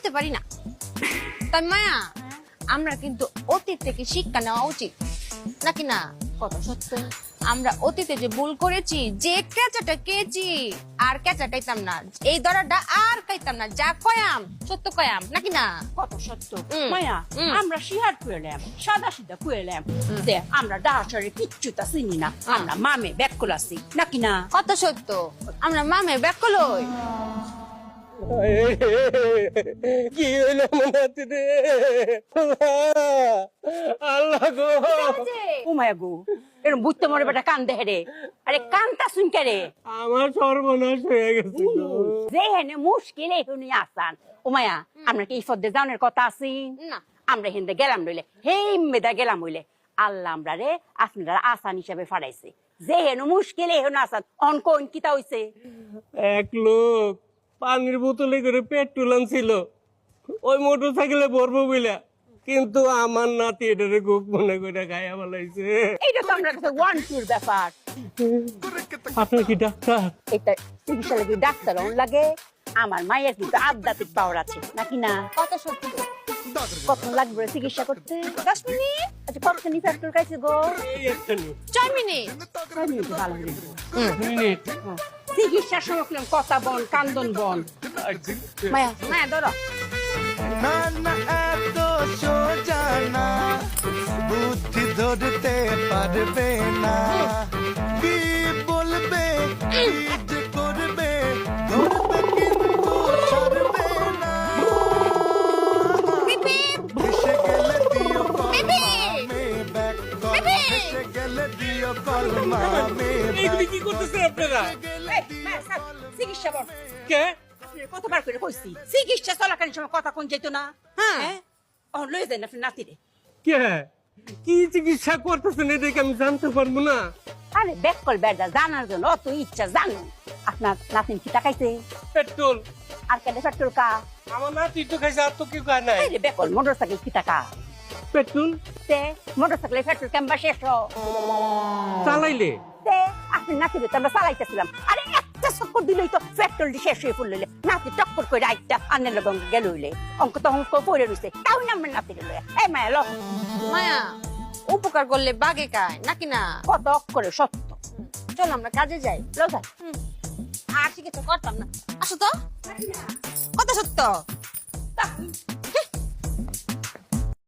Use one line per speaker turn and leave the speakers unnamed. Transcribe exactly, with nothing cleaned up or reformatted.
ভুলতে পারি না। তাই মায়া আমরা কিন্তু অতীত থেকে শিক্ষা নেওয়া উচিত নাকি না?
কত সত্য।
আমরা অতীতে যে ভুল করেছি, যে কেঁচাটা কেচি আর কেঁচা খাইতাম না, এই দরাটা আর খাইতাম না, যা কয়াম সত্য কয়াম নাকি না?
কত সত্য।
হুম।
মায়া
হুম।
আমরা শিহার কুয়েলাম, সাদা সিধা কুয়েলাম যে আমরা ডাহাসারে কিচ্ছুটা চিনি না, আমরা মামে ব্যাকুল আছি নাকি না?
কত সত্য। আমরা মামে ব্যাকলই।
কি হইল মনাতি রে আল্লাহ গো।
ও মায়া গো, এরকম বুঝতে মরে বেটা কান দেহে রে। আরে কানটা শুনকে রে।
আমার সর্বনাশ হয়ে গেছে
যে হেনে মুশকিল এখনই আসান। ও মায়া আমরা কি ইফদে জানের কথা আছি
না।
আমরা হিন্দে গেলাম নইলে হেই মেদা গেলাম হইলে আল্লাহ আমরা রে আপনারা আসান হিসাবে ফাড়াইছে। যে হেন মুশকিল এখন আসান অনকোন কিতা হইছে।
এক লোক পানির বোতলে করে পেট্রোল আনছিল ওই মোটর সাইকেলে ভরবো বইলা, কিন্তু আমার নাতি এটারে গুক মনে করে গায়া বলাইছে।
এইটা তো আমরা কাছে ওয়ান টুর ব্যাপার।
আপনার কি ডাক্তার?
এটা চিকিৎসা লাগে ডাক্তার অন লাগে। আমার মায়ের কিন্তু আধ্যাত্মিক পাওয়ার আছে নাকি না?
কত সত্য।
কত লাগবে চিকিৎসা করতে? দশ মিনিট। আচ্ছা কতখানি পেট্রোল খাইছে গো?
এই একটা নি
ছয় মিনিট।
ছয় মিনিটে ভালো হয়ে যাবে।
মিনিট।
চিকিৎসার সময় করলাম কথা বন কান্দন বন। মায়া মায়া ধরো।
না না এত সোজা না, বুদ্ধি ধরতে পারবে না, কি বলবে কি যে করবে ধরবে কিন্তু ছাড়বে না। এসে গেলে দিও কলমে ব্যাক কল, এসে গেলে দিও কলমে
এইগুলি কি করতেছেন আপনারা?
চিকিৎসা বন
কে?
কতবার করে কইছি চিকিৎসা চলাকালীন সময় কথা কোন যেত না। হ্যাঁ ও লয়ে যান আপনি নাতিরে।
কে? কি চিকিৎসা করতেছেন এটা কি আমি জানতে পারবো না?
আরে বেকল বেড়া জানার জন্য অত ইচ্ছা জানো। আপনার নাতিন কি টাকাইছে?
পেট্রোল।
আর কেন পেট্রোল কা?
আমার নাতি তো খাইছে, আর তো কেউ খায় নাই।
আরে বেকল মোটরসাইকেল কি টাকা?
পেট্রোল
তে মোটরসাইকেলে পেট্রোল কেমবা শেষ
চালাইলে
তে আপনি নাতিরে তো আমরা চালাইতেছিলাম। আরে একটা চক্কর দিলেই তো পেট্রোল দিয়ে শেষ হয়ে পড়লে নাতি টক্কর করে আইটা আনের লগে গেল হইলে অঙ্ক তো অঙ্ক পড়ে রইছে তাও না আমার নাতিরে লয়ে। এই মায়া লো
মায়া উপকার করলে বাগে খায় নাকি না?
কত অক্ষরে সত্য।
চল আমরা কাজে যাই।
লো যাই।
আর চিকিৎসা করতাম না। আসো তো। কত সত্য।